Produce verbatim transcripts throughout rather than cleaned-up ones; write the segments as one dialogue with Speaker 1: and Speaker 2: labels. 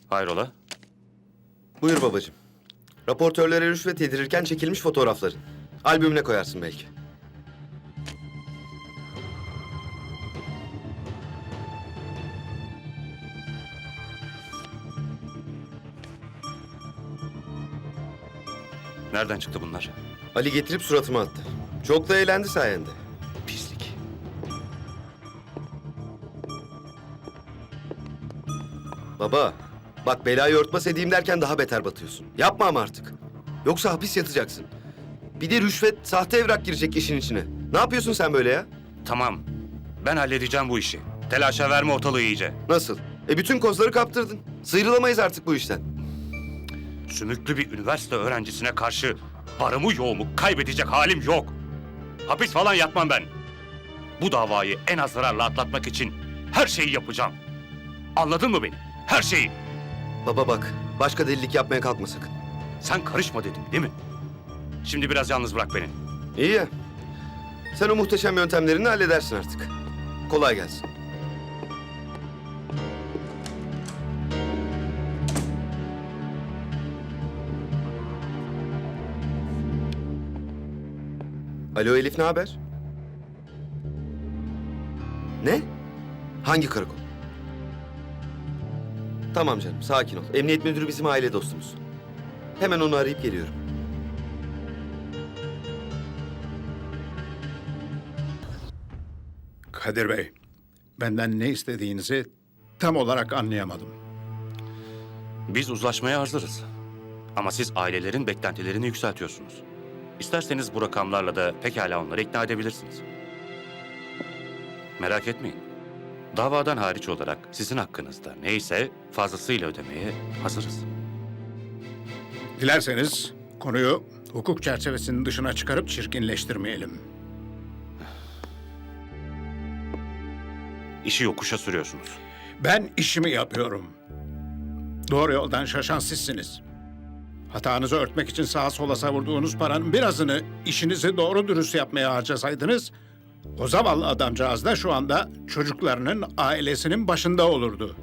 Speaker 1: Hayrola?
Speaker 2: Buyur babacığım. Raportörlere rüşvet yedirirken çekilmiş fotoğrafların. Albümüne koyarsın belki.
Speaker 1: Nereden çıktı bunlar?
Speaker 2: Ali getirip suratıma attı. Çok da eğlendi sayende.
Speaker 1: Pislik.
Speaker 2: Baba, bak belayı örtbas edeyim derken daha beter batıyorsun. Yapma ama artık. Yoksa hapis yatacaksın. Bir de rüşvet, sahte evrak girecek işin içine. Ne yapıyorsun sen böyle ya?
Speaker 1: Tamam. Ben halledeceğim bu işi. Telaşa verme ortalığı iyice.
Speaker 2: Nasıl? E bütün kozları kaptırdın. Sıyrılamayız artık bu işten.
Speaker 1: Sümüklü bir üniversite öğrencisine karşı varımı yoğumu kaybedecek halim yok. Hapis falan yatmam ben. Bu davayı en az zararla atlatmak için her şeyi yapacağım. Anladın mı beni? Her şeyi.
Speaker 2: Baba bak, başka delilik yapmaya kalkma sakın.
Speaker 1: Sen karışma dedim değil mi? Şimdi biraz yalnız bırak beni.
Speaker 2: İyi ya. Sen o muhteşem yöntemlerini halledersin artık. Kolay gelsin. Alo Elif, ne haber? Ne? Hangi karakol? Tamam canım, sakin ol. Emniyet müdürü bizim aile dostumuz. Hemen onu arayıp geliyorum.
Speaker 3: Kadir Bey, benden ne istediğinizi tam olarak anlayamadım.
Speaker 1: Biz uzlaşmaya hazırız. Ama siz ailelerin beklentilerini yükseltiyorsunuz. İsterseniz bu rakamlarla da pekala onları ikna edebilirsiniz. Merak etmeyin. Davadan hariç olarak sizin hakkınızda neyse fazlasıyla ödemeye hazırız.
Speaker 3: Dilerseniz konuyu hukuk çerçevesinin dışına çıkarıp çirkinleştirmeyelim.
Speaker 1: İşi yokuşa sürüyorsunuz.
Speaker 3: Ben işimi yapıyorum. Doğru yoldan şaşan sizsiniz. Hatanızı örtmek için sağa sola savurduğunuz paranın birazını işinizi doğru dürüst yapmaya harcasaydınız, o zavallı adamcağız da şu anda çocuklarının, ailesinin başında olurdu.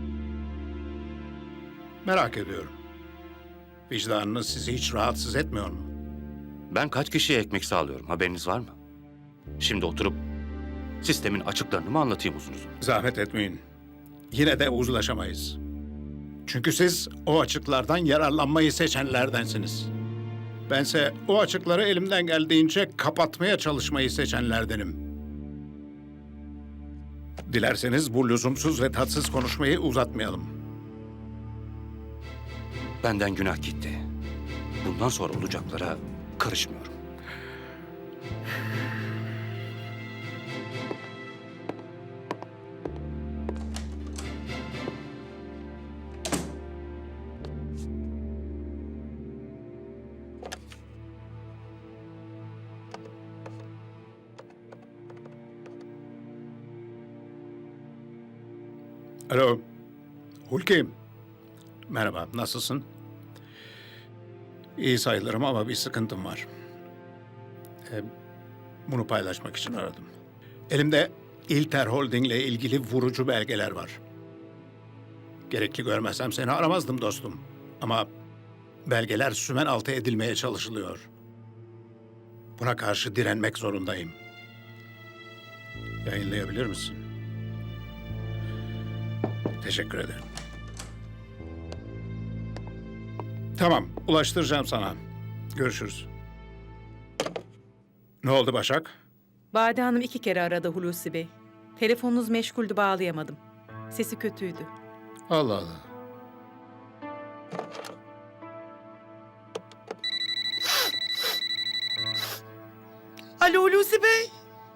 Speaker 3: Merak ediyorum. Vicdanınız sizi hiç rahatsız etmiyor mu?
Speaker 1: Ben kaç kişiye ekmek sağlıyorum haberiniz var mı? Şimdi oturup sistemin açıklarını mı anlatayım uzun uzun?
Speaker 3: Zahmet etmeyin. Yine de uzlaşamayız. Çünkü siz o açıklardan yararlanmayı seçenlerdensiniz. Bense o açıkları elimden geldiğince kapatmaya çalışmayı seçenlerdenim. Dilerseniz bu lüzumsuz ve tatsız konuşmayı uzatmayalım.
Speaker 1: Benden günah gitti. Bundan sonra olacaklara karışmıyorum.
Speaker 3: Alo, Hulki. Merhaba, nasılsın? İyi sayılırım ama bir sıkıntım var. Ee, bunu paylaşmak için aradım. Elimde İlter Holding ile ilgili vurucu belgeler var. Gerekli görmezsem seni aramazdım dostum. Ama belgeler sümen altı edilmeye çalışılıyor. Buna karşı direnmek zorundayım. Yayınlayabilir misin? Teşekkür ederim. Tamam, ulaştıracağım sana. Görüşürüz. Ne oldu Başak?
Speaker 4: Bade Hanım iki kere aradı Hulusi Bey. Telefonunuz meşguldü, bağlayamadım. Sesi kötüydü.
Speaker 3: Allah Allah.
Speaker 5: Alo Hulusi Bey.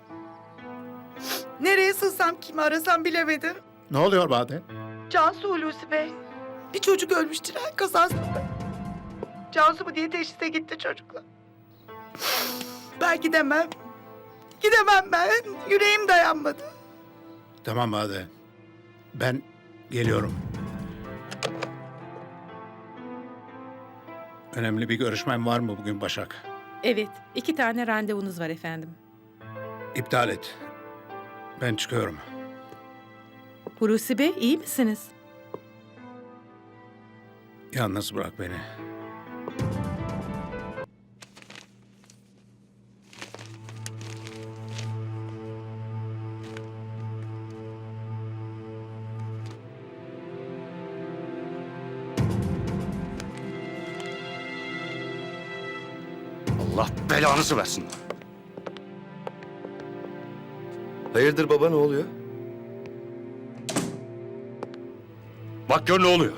Speaker 5: Nereye sığsam, kimi arasam bilemedim.
Speaker 3: Ne oluyor Bade?
Speaker 5: Cansu Hulusi Bey. Bir çocuk ölmüş tren kazasında. Cansu mu diye teşhise gitti çocukla. Ben gidemem. Gidemem ben. Yüreğim dayanmadı.
Speaker 3: Tamam Bade. Ben geliyorum. Önemli bir görüşmem var mı bugün Başak?
Speaker 4: Evet, iki tane randevunuz var efendim.
Speaker 3: İptal et. Ben çıkıyorum.
Speaker 4: Hulusi Bey, iyi misiniz?
Speaker 3: Yalnız bırak beni.
Speaker 1: Allah belanızı versin.
Speaker 2: Hayırdır baba, ne oluyor?
Speaker 1: Bak gör ne oluyor.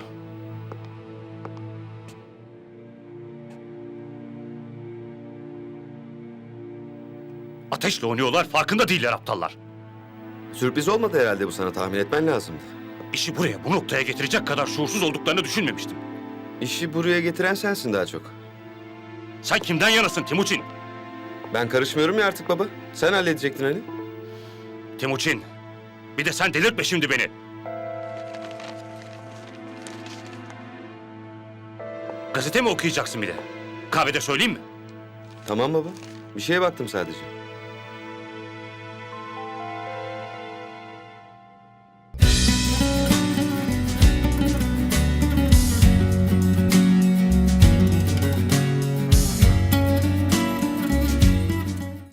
Speaker 1: Ateşle oynuyorlar, farkında değiller aptallar.
Speaker 2: Sürpriz olmadı herhalde bu, sana tahmin etmen lazımdı.
Speaker 1: İşi buraya, bu noktaya getirecek kadar şuursuz olduklarını düşünmemiştim.
Speaker 2: İşi buraya getiren sensin daha çok.
Speaker 1: Sen kimden yanasın Timuçin?
Speaker 2: Ben karışmıyorum ya artık baba. Sen halledecektin hani.
Speaker 1: Timuçin, bir de sen delirtme şimdi beni. Gazete mi okuyacaksın bir de? Kahvede söyleyeyim mi?
Speaker 2: Tamam baba. Bir şeye baktım sadece.